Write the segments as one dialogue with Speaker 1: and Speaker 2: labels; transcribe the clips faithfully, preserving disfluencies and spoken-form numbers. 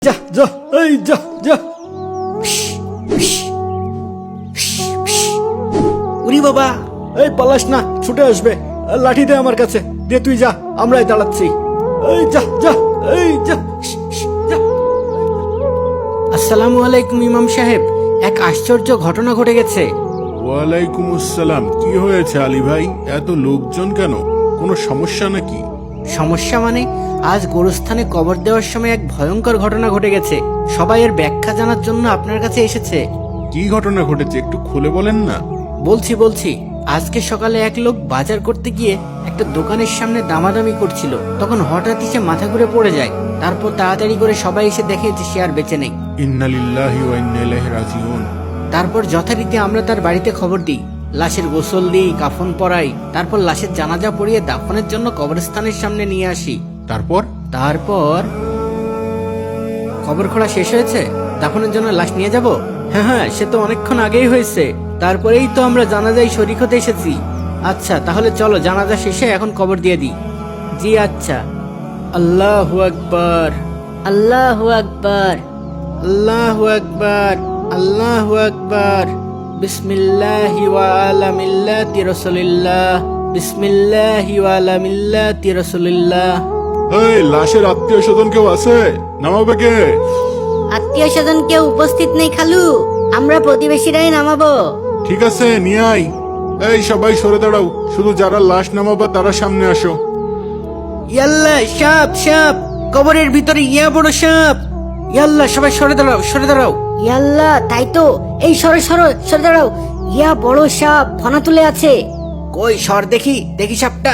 Speaker 1: যা যা এই যা যা।
Speaker 2: উরি বাবা,
Speaker 1: এই পালাস না, ছুটে আসবে। লাঠি দে আমার কাছে, দে তুই যা, আমরাই দাঁড়াচ্ছি। এই যা যা এই যা যা।
Speaker 2: আসসালামু আলাইকুম ইমাম সাহেব, এক আশ্চর্য ঘটনা ঘটে গেছে।
Speaker 3: ওয়ালাইকুম আসসালাম। কি হয়েছে আলী ভাই, এত লোকজন কেন? কোনো সমস্যা নাকি?
Speaker 2: সমস্যা মানে, আজ গোরস্থানে কবর দেওয়ার সময় এক ভয়ঙ্কর ঘটনা ঘটে গেছে। সবাই এর ব্যাখ্যা জানার জন্য আপনার কাছে এসেছে।
Speaker 3: কি ঘটনা ঘটেছে একটু খুলে বলেন না।
Speaker 2: বলছি বলছি আজকে সকালে এক লোক বাজার করতে গিয়ে একটা দোকানের সামনে দামাদামি করছিল, তখন হঠাৎই সে মাথা ঘুরে পড়ে যায়। তারপর তাড়াতাড়ি করে সবাই এসে দেখে যে সে আর বেঁচে নেই।
Speaker 3: ইন্না লিল্লাহি ওয়া ইন্না ইলাইহি রাজিউন।
Speaker 2: তারপর যথারীতি আমরা তার বাড়িতে খবর দিই, লাশের গোসল দিই, কাফন পরাই, তারপর লাশের জানাজা পড়িয়ে দাফনের জন্য কবরস্থানের সামনে নিয়ে আসি।
Speaker 3: তারপর
Speaker 2: তারপর খবর খোলা শেষ হয়েছে, দাফনের জন্য লাশ নিয়ে যাব। হ্যাঁ হ্যাঁ, সে তো অনেকক্ষণ আগেই হয়েছে। তারপরেই তো আমরা জানাজায় শরীক হতে এসেছি। আচ্ছা তাহলে চলো, জানাজা শেষে এখন কবর দিয়ে দিই। জি আচ্ছা। আল্লাহু আকবার, আল্লাহু আকবার, আল্লাহু আকবার, আল্লাহু আকবার। বিসমিল্লাহি ওয়া আলা মিল্লাতি রাসূলিল্লাহ, বিসমিল্লাহি ওয়া আলা মিল্লাতি রাসূলিল্লাহ।
Speaker 3: এই লাশের আত্মীয় স্বজন কেউ আছে? নামাবে কে?
Speaker 4: আত্মীয় স্বজন কেউ উপস্থিত নেই খালু, আমরা প্রতিবেশীরাই নামাবো।
Speaker 3: ঠিক আছে, নিয়ে আয়। এই সবাই সরে দাঁড়াও, শুধু যারা লাশ নামাবা তারা সামনে আসো।
Speaker 2: ইয়াল্লা, সাপ সাপ, কবরের ভিতরে ইয়া বড় সাপ। ইয়াল্লা, সবাই সরে দাঁড়াও, সরে দাঁড়াও।
Speaker 4: ইয়াল্লা, তাই তো, এই সরো সরো সরে দাঁড়াও। ইয়া বড় সাপ ফনা তুলে আছে।
Speaker 2: কই সর দেখি, দেখি সাপটা।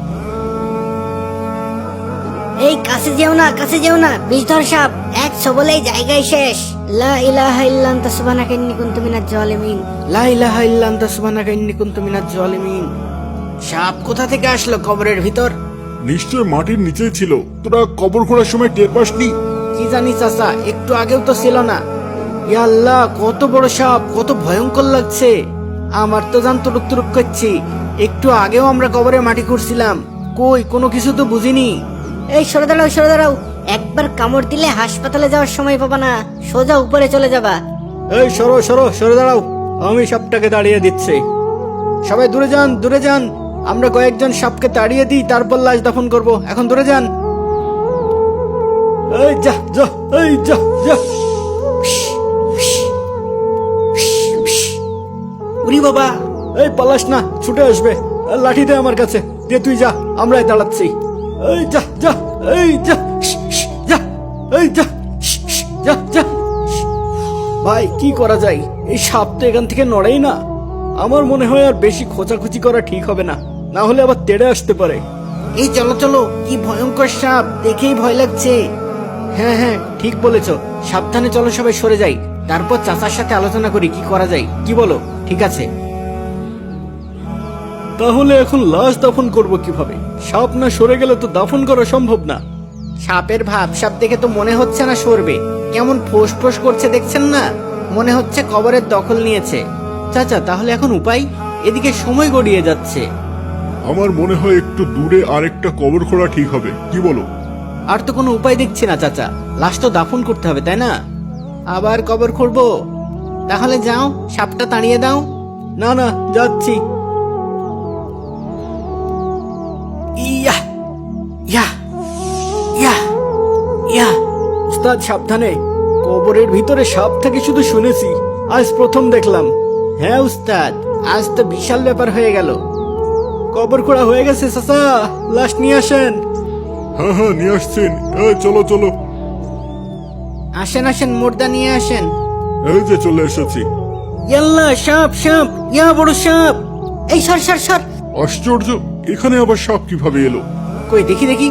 Speaker 4: এই কাছে যেও না, কাছে যেও না, বিষধর সাপ, এক সবলেই জায়গায় শেষ। লা ইলাহা ইল্লা আনতা সুবহানাকা ইন্নী কুনতু মিনাজ জালিমিন।
Speaker 2: লা ইলাহা ইল্লা আনতা সুবহানাকা ইন্নী কুনতু মিনাজ জালিমিন। সাপ কোথা থেকে আসলো কবরের ভিতর?
Speaker 3: নিশ্চয় মাটির নিচেই ছিল, তোরা কবর খোঁড়ার সময় টের পাসনি?
Speaker 2: কি জানি চাচা, একটু আগেও তো ছিল না। ইয়া আল্লাহ, কত বড় সাপ, কত ভয়ঙ্কর লাগছে। আমার তো জান তুরুক তুরুক করছি। একটু আগেও আমরা কবরে মাটি খুঁড়ছিলাম, কই কোনো কিছু তো বুঝিনি।
Speaker 4: এই সরে দাঁড়াও, সরে দাঁড়াও, একবার কামড় দিলে হাসপাতালে যাওয়ার সময় পাবা না, সোজা উপরে চলে যাবা।
Speaker 1: এই সরো সরো সরে দাঁড়াও, আমি সাপটাকে দাঁড়িয়ে দিচ্ছি। সবাই দূরে যান, দূরে যান। আমরা কয়েকজন সাপকে তাড়িয়ে দিই, তারপর লাশ দাফন করব। এখন দূরে যান। এই যা যা এই যা যা।
Speaker 2: উরি বাবা,
Speaker 1: এই পালাস না, ছুটে আসবে। লাঠি দে আমার কাছে, দে তুই যা, আমরাই দাঁড়াচ্ছি। এই যা যা এই যা যা এই যা যা যা। ভাই কি করা যায়, এই সাপ তো এখান থেকে নড়েই না। আমার মনে হয় আর বেশি খোঁচাখুচি করা ঠিক হবে না, না হলে আবার তেড়ে আসতে পারে।
Speaker 2: এই চলো চলো, কি ভয়ঙ্কর সাপ, দেখেই ভয় লাগছে। হ্যাঁ হ্যাঁ ঠিক বলেছো, সাবধানে চলো, সবাই সরে যাই, তারপর চাচার সাথে আলোচনা করি কি করা যায়। কি বলো? ঠিক আছে।
Speaker 1: তাহলে এখন লাশ দাফন করব কিভাবে? সাপ না সরে গেলে তো দাফন করা সম্ভব না।
Speaker 2: সাপের ভাব সাপ দেখে তো মনে হচ্ছে না সরবে, কেমন ফোঁস ফোঁস করছে দেখছেন না, মনে হচ্ছে কবরের দখল নিয়েছে। চাচা তাহলে এখন উপায়? এদিকে সময় গড়িয়ে যাচ্ছে।
Speaker 3: আমার মনে হয় একটু দূরে আরেকটা কবর খোঁড়া ঠিক হবে, কি বলো?
Speaker 2: আর তো কোনো উপায় দেখছি না চাচা, লাশ তো দাফন করতে হবে তাই না? আবার কবর খুঁড়বো? তাহলে যাও, সাপটা তাড়িয়ে দাও।
Speaker 1: না না, যাচ্ছি।
Speaker 2: ইয়া ইয়া ইয়া ইয়া।
Speaker 1: উস্তাদ সাবধানে, কবরের ভিতরে সাপ থাকে শুধু শুনেছি, আজ প্রথম দেখলাম।
Speaker 2: হ্যাঁ উস্তাদ, আজ তো বিশাল ব্যাপার হয়ে গেল।
Speaker 1: কবর খোঁড়া হয়ে গেছে চাচা, লাশ নিয়ে আসেন।
Speaker 3: হ্যাঁ হ্যাঁ নিয়ে আসছেন। এই চলো চলো।
Speaker 2: আসেন আসেন, মুর্দা নিয়ে আসেন।
Speaker 3: এই যে চলে এসেছি।
Speaker 2: ইয়াল্লা, সাপ সাপ, ইয়া বড় সাপ।
Speaker 4: এই সর সর সর।
Speaker 3: আশ্চর্য, এখানে আবার সাপ কিভাবে এলো?
Speaker 2: কই দেখি দেখি।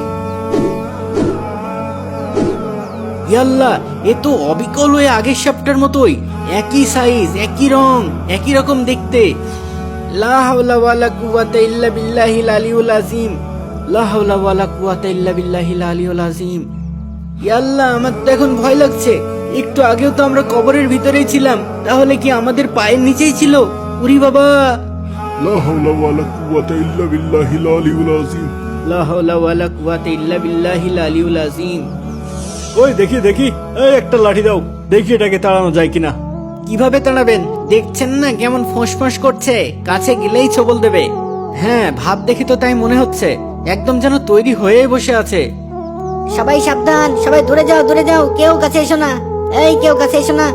Speaker 2: ইয়াল্লা, এ তো অবিকল হয়ে আগের সাপটার মতোই, একই সাইজ, একই রং, একই রকম দেখতে। লা হাওলা ওয়ালা কুওয়াতা ইল্লা বিল্লাহিল আলিয়ুল আযীম, লা হাওলা ওয়ালা কুওয়াতা ইল্লা বিল্লাহিল আলিয়ুল আযীম। ইয়াল্লা, আমার তো এখন ভয় লাগছে। একটু আগেও তো আমরা কবরের ভিতরেই ছিলাম, তাহলে কি আমাদের পায়ের নিচেই ছিল? উরি বাবা,
Speaker 3: লা হাওলা ওয়ালা কুওয়াতা ইল্লা বিল্লাহিল আলিয়ুল আযীম।
Speaker 2: লা হাওলা ওয়ালা কুওয়াতা ইল্লা বিল্লাহিল আলিয়ুল আযীম।
Speaker 1: ওই দেখি দেখি, এই একটা লাঠি দাও, দেখি এটাকে তাড়ানো যায় কিনা।
Speaker 2: কিভাবে তাড়াবেন? দেখছেন না কেমন ফোঁস করছে, কাছে গেলেই ছবল দেবে। হ্যাঁ, ভাব দেখি তো তাই মনে হচ্ছে, একদম যেন তৈরি হয়ে বসে আছে।
Speaker 4: সবাই সাবধান, সবাই দূরে যাও দূরে যাও, কেউ কাছে এসো না, এই কেউ কাছে এসো না।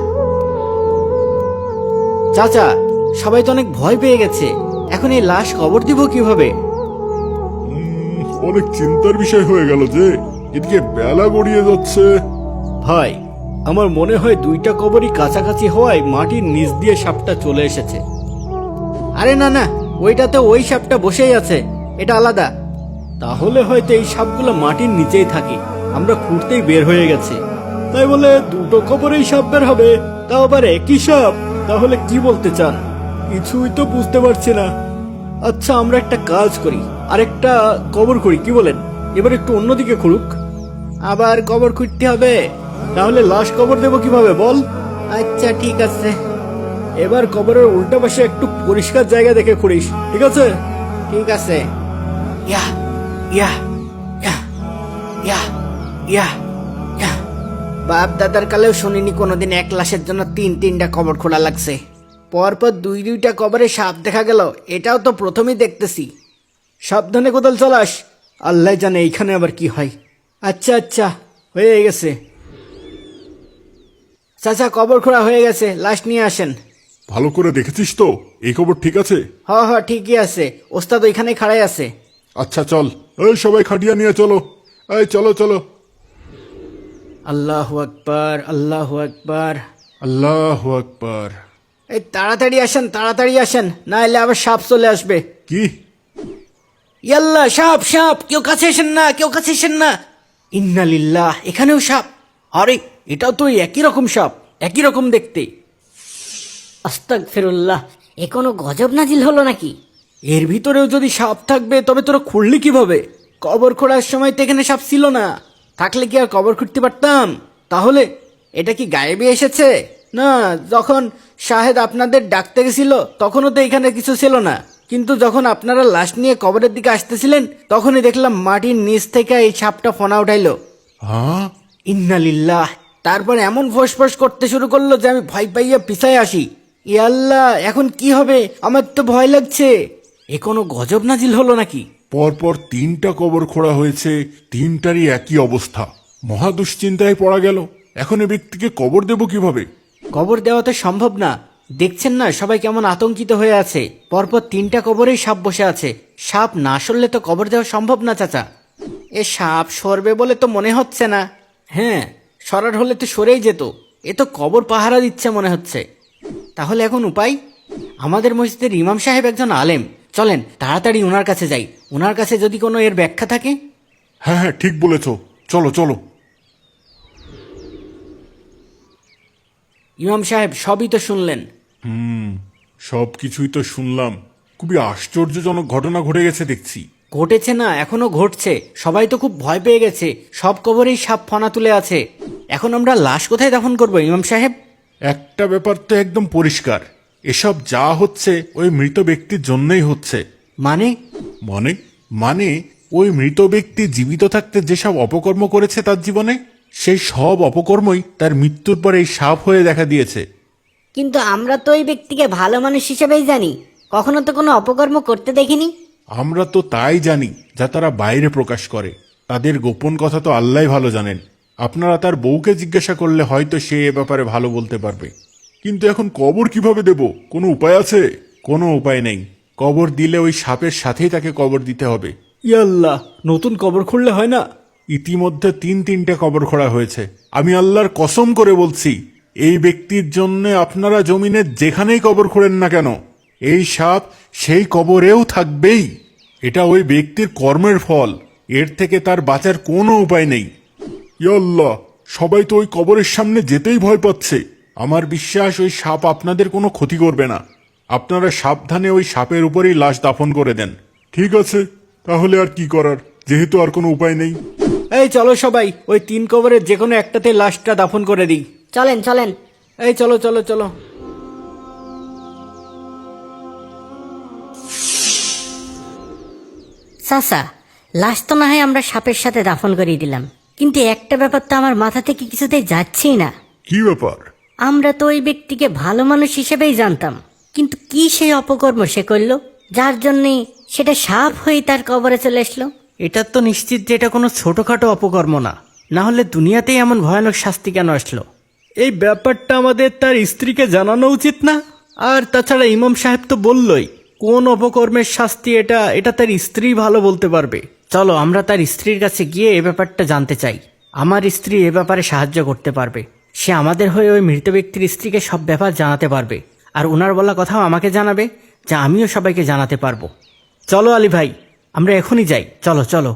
Speaker 2: চাচা, সবাই তো অনেক ভয় পেয়ে গেছে, এখন এই লাশ কবর দিব কিভাবে?
Speaker 3: উম, অনেক চিন্তার বিষয় হয়ে গেল যে এদিকে বেলা গড়িয়ে যাচ্ছে।
Speaker 1: ভাই, আমার মনে হয় দুইটা কবরই কাছাকাছি হওয়ায় মাটির নিচ দিয়ে সাপটা চলে এসেছে।
Speaker 2: আরে না না, ওইটাতে ওই সাপটা বসেই আছে, এটা আলাদা।
Speaker 1: তাহলে হয়তো এই সাপগুলো মাটির নিচেই থাকে, আমরা খুঁড়তেই বের হয়ে গেছে। তাই বলে দুটো কবরেই সাপ বের হবে, তাও আবার একই সাপ? তাহলে কি বলতে চান? কিছুই তো বুঝতে পারছি না। আচ্ছা, আমরা একটা কাজ করি, আরেকটা কবর করি, কি বলেন? এবার একটু অন্যদিকে খুঁড়ুক।
Speaker 2: আবার কবর খুঁড়তে হবে?
Speaker 1: তাহলে লাশ কবর দেবো কিভাবে বল?
Speaker 2: আচ্ছা ঠিক আছে।
Speaker 1: এবার কবরের উল্টা পাশে একটু পরিষ্কার জায়গা দেখে খুঁড়িস, ঠিক আছে?
Speaker 2: ঠিক আছে। ইয়া ইয়া ইয়া ইয়া ইয়া ইয়া। বাপ দাদার কালেও শুনিনি কোনোদিন এক লাশের জন্য তিন তিনটা কবর খোলা লাগছে। পরপর দুই দুইটা কবরে সাপ দেখা গেল, এটাও তো প্রথমেই দেখতেছি।
Speaker 1: সাবধানে কোদাল চালাস, আল্লাহ জানে এইখানে আবার কি হয়। আচ্ছা আচ্ছা, হয়ে গেছে।
Speaker 2: চাচা, কবর খোঁড়া হয়ে গেছে, লাশ নিয়ে আসেন।
Speaker 3: ভালো করে দেখেছিস তো এই খবর ঠিক আছে?
Speaker 2: হ হ ঠিকই আছে, ওস্তাদ ওইখানে খাড়াই আছে।
Speaker 3: আচ্ছা চল, এই সবাই খাটিয়া নিয়ে চলো, এই চলো চলো।
Speaker 2: আল্লাহু আকবার, আল্লাহু আকবার।
Speaker 3: আল্লাহ আকবার।
Speaker 2: এই তাড়াতাড়ি আসেন, তাড়াতাড়ি আসেন, না এলে আবার সাপ চলে আসবে।
Speaker 3: কি?
Speaker 2: ইয়াল্লা, সাপ সাপ, কেউ কাছে এসেন না, কেউ কাছে এসেন না। ইন্না লিল্লাহ, এখানেও সাপ। আরে, এটাও তো ওই একই রকম সাপ, একই রকম দেখতে।
Speaker 4: আস্তাগফিরুল্লাহ, এ কোনো গজব নাজিল হলো নাকি?
Speaker 2: এর ভিতরেও যদি সাপ থাকবে তবে তোরা খুঁড়লি কিভাবে? কবর খোঁড়ার সময় তো এখানে সাপ ছিল না, থাকলে কি আর কবর খুঁড়তে পারতাম? তাহলে এটা কি গায়েবে এসেছে? না, যখন শাহেদ আপনাদের ডাকতে গেছিল তখনও তো এখানে কিছু ছিল না, কিন্তু যখন আপনারা লাশ নিয়ে কবরের দিকে আসতেছিলেন তখনই দেখলাম মাটির নিচ থেকে এই সাপটা ফনা উঠাইলো।
Speaker 3: হ্যাঁ?
Speaker 2: ইন্নালিল্লাহ। তারপর এমন ফোঁস করতে শুরু করলো যে আমি ভয় পাইয়া পিছায় আসি। ইয়াল্লাহ, এখন কি হবে? আমার তো ভয় লাগছে। এ কোনো গজব নাজিল হলো নাকি?
Speaker 3: পরপর তিনটা কবর খোঁড়া হয়েছে, তিনটারই একই অবস্থা। মহা দুশ্চিন্তায় পড়া গেল। এখন এ ব্যক্তিকে কবর দেব কিভাবে?
Speaker 2: কবর দেওয়া তো সম্ভব না, দেখছেন না সবাই কেমন আতঙ্কিত হয়ে আছে। পরপর তিনটা কবরেই সাপ বসে আছে, সাপ না সরলে তো কবর দেওয়া সম্ভব না চাচা। এ সাপ সরবে বলে তো মনে হচ্ছে না। হ্যাঁ, সরার হলে তো সরেই যেত, এ তো কবর পাহারা দিচ্ছে মনে হচ্ছে। তাহলে এখন উপায়? আমাদের মসজিদের ইমাম সাহেব একজন আলেম, চলেন তাড়াতাড়ি ওনার কাছে যাই, ওনার কাছে যদি কোনো এর ব্যাখ্যা থাকে।
Speaker 3: হ্যাঁ হ্যাঁ, ঠিক বলেছ, চলো চলো।
Speaker 2: ইমাম সাহেব, সবই তো শুনলেন।
Speaker 3: হুম, সব কিছুই তো শুনলাম। খুবই আশ্চর্যজনক ঘটনা ঘটে গেছে দেখছি।
Speaker 2: ঘটেছে না, এখনো ঘটছে। সবাই তো খুব ভয় পেয়ে গেছে, সব কবরেই সাপ ফনা তুলে আছে। এখন আমরা লাশ কোথায় দাফন করবো ইমাম সাহেব?
Speaker 3: একটা ব্যাপার তো একদম পরিষ্কার, এসব যা হচ্ছে ওই মৃত ব্যক্তির জন্যই হচ্ছে।
Speaker 2: মানে?
Speaker 3: মানে মানে ওই মৃত ব্যক্তি জীবিত থাকতে যেসব অপকর্ম করেছে তার জীবনে, সেই সব অপকর্মই তার মৃত্যুর পরে এই সাপ হয়ে দেখা দিয়েছে।
Speaker 4: কিন্তু আমরা তো ওই ব্যক্তিকে ভালো মানুষ হিসেবেই জানি, কখনো তো কোনো অপকর্ম করতে দেখিনি।
Speaker 3: আমরা তো তাই জানি যা তারা বাইরে প্রকাশ করে, তাদের গোপন কথা তো আল্লাহই ভালো জানেন। আপনারা তার বউকে জিজ্ঞাসা করলে হয়তো সে এ ব্যাপারে ভালো বলতে পারবে। কিন্তু এখন কবর কিভাবে দেব? কোনো উপায় আছে? কোনো উপায় নেই। কবর দিলে ওই সাপের সাথেই তাকে কবর দিতে হবে।
Speaker 1: ইয়াল্লাহ, নতুন কবর খুঁড়লে হয় না?
Speaker 3: ইতিমধ্যে তিন তিনটে কবর খোঁড়া হয়েছে। আমি আল্লাহর কসম করে বলছি, এই ব্যক্তির জন্য আপনারা জমিনে যেখানেই কবর খোঁড়েন না কেন, এই সাপ সেই কবরেও থাকবেই। এটা ওই ব্যক্তির কর্মের ফল, এর থেকে তার বাঁচার কোনো উপায় নেই। ইয়া আল্লাহ, সবাই তো ওই কবরের সামনে যেতেই ভয় পাচ্ছে। আমার বিশ্বাস ওই সাপ আপনাদের কোনো ক্ষতি করবে না। আপনারা সাবধানে ওই সাপের উপরেই লাশ দাফন করে দেন। ঠিক আছে, তাহলে আর কি করার, যেহেতু আর কোনো উপায় নেই।
Speaker 1: এই চলো সবাই, ওই তিন কবরের যে কোনো একটাতে লাশটা দাফন করে দিই।
Speaker 4: চলেন চলেন।
Speaker 2: এই চলো চলো চলো।
Speaker 4: চাচা, লাশ তো না হয় আমরা সাপের সাথে দাফন করিয়ে দিলাম, কিন্তু একটা ব্যাপার তো আমার মাথা থেকে কিছুতেই যাচ্ছেই না।
Speaker 3: কি ব্যাপার?
Speaker 4: আমরা তো ওই ব্যক্তিকে ভালো মানুষ হিসেবেই জানতাম, কিন্তু কি সেই অপকর্ম সে করলো যার জন্যে সেটা সাপ হয়ে তার কবরে চলে আসলো?
Speaker 2: এটা তো নিশ্চিত যে এটা কোনো ছোটখাটো অপকর্ম না, না হলে দুনিয়াতেই এমন ভয়ানক শাস্তি কেন আসলো? এই ব্যাপারটা আমাদের তার স্ত্রীকে জানানো উচিত না? আর তাছাড়া ইমাম সাহেব তো বললই কোন অপকর্মের শাস্তি এটা এটা তার স্ত্রী ভালো বলতে পারবে। চলো আমরা তার স্ত্রীর কাছে গিয়ে এ ব্যাপারটা জানতে চাই। আমার স্ত্রী এ ব্যাপারে সাহায্য করতে পারবে। সে আমাদের হয়ে ওই মৃত ব্যক্তির স্ত্রীকে সব ব্যাপার জানাতে পারবে, আর ওনার বলা কথাও আমাকে জানাবে, যা আমিও সবাইকে জানাতে পারবো। চলো আলী ভাই, আমরা এখনই যাই, চলো চলো।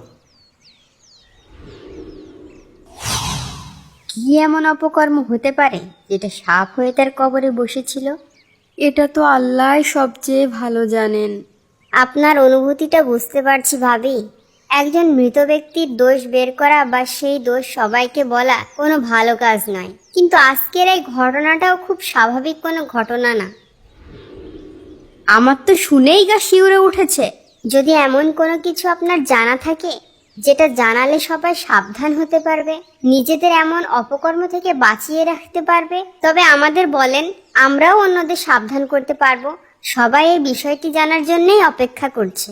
Speaker 5: কি এমন অপকর্ম হতে পারে যেটা সাপ হয়ে তার কবরে বসেছিল?
Speaker 6: এটা তো আল্লাহ সবচেয়ে ভালো জানেন।
Speaker 5: আপনার অনুভূতিটা বুঝতে পারছি ভাবি। একজন মৃত ব্যক্তির দোষ বের করা বা সেই দোষ সবাইকে বলা কোনো ভালো কাজ নয়, কিন্তু আজকের এই ঘটনাটাও খুব স্বাভাবিক কোনো ঘটনা না।
Speaker 6: আমার তো শুনেই গা শিউরে উঠেছে।
Speaker 5: যদি এমন কোনো কিছু আপনার জানা থাকে যেটা জানালে সবাই সাবধান হতে পারবে, নিজেদের এমন অপকর্ম থেকে বাঁচিয়ে রাখতে পারবে, তবে আমাদের বলেন, আমরাও অন্যদের সাবধান করতে পারবো। সবাই এই বিষয়টি জানার জন্যই অপেক্ষা করছে।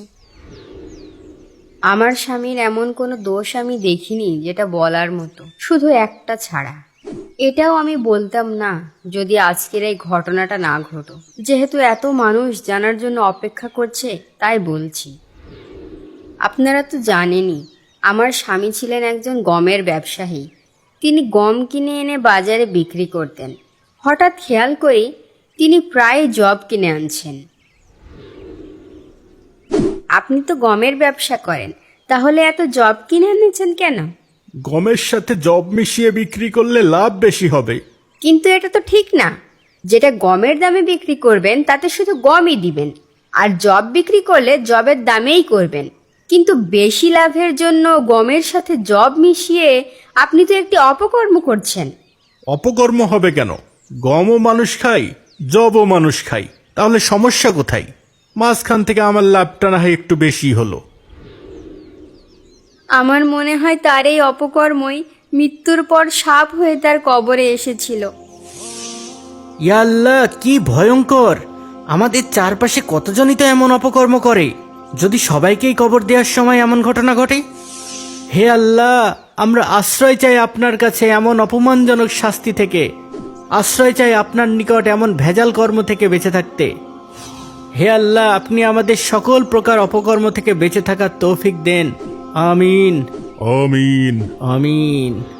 Speaker 6: আমার স্বামীর এমন কোনো দোষ আমি দেখিনি যেটা বলার মতো, শুধু একটা ছাড়া। এটাও আমি বলতাম না যদি আজকের এই ঘটনাটা না ঘটো। যেহেতু এত মানুষ জানার জন্য অপেক্ষা করছে তাই বলছি। আপনারা তো জানেনই আমার স্বামী ছিলেন একজন গমের ব্যবসায়ী। তিনি গম কিনে এনে বাজারে বিক্রি করতেন। হঠাৎ খেয়াল করি তিনি প্রায় জব কিনে আনছেন। আপনি তো গমের ব্যবসা করেন, তাহলে এত জব কিনে এনেছেন কেন?
Speaker 3: গমের সাথে জব মিশিয়ে বিক্রি করলে লাভ বেশি হবে।
Speaker 6: কিন্তু এটা তো ঠিক না। যেটা গমের দামে বিক্রি করবেন তাতে শুধু গমই দিবেন, আর জব বিক্রি করলে জবের দামেই করবেন। কিন্তু বেশি লাভের জন্য গমের সাথে জব মিশিয়ে আপনি তো একটি অপকর্ম করছেন।
Speaker 3: অপকর্ম হবে কেন? গমও মানুষ খায়, জবও মানুষ খায়, তাহলে সমস্যা কোথায়? মাঝখান থেকে আমার লাভটা না হয় একটু বেশি হলো।
Speaker 6: আমার মনে হয় তার এই অপকর্মই মৃত্যুর পর সাপ হয়ে তার কবরে এসেছিল।
Speaker 2: ইয়া আল্লাহ, কি ভয়ঙ্কর! আমাদের চারপাশে কতজনই তো এমন অপকর্ম করে। যদি সবাইকেই কবর দেওয়ার সময় এমন ঘটনা ঘটে? হে আল্লাহ, আমরা আশ্রয় চাই আপনার কাছে এমন অপমানজনক শাস্তি থেকে। আশ্রয় চাই আপনার নিকট এমন ভেজাল কর্ম থেকে বেঁচে থাকতে। হে আল্লাহ, আপনি আমাদের সকল প্রকার অপকর্ম থেকে বেঁচে থাকার তৌফিক দেন। আমিন
Speaker 3: আমিন।
Speaker 2: আমিন।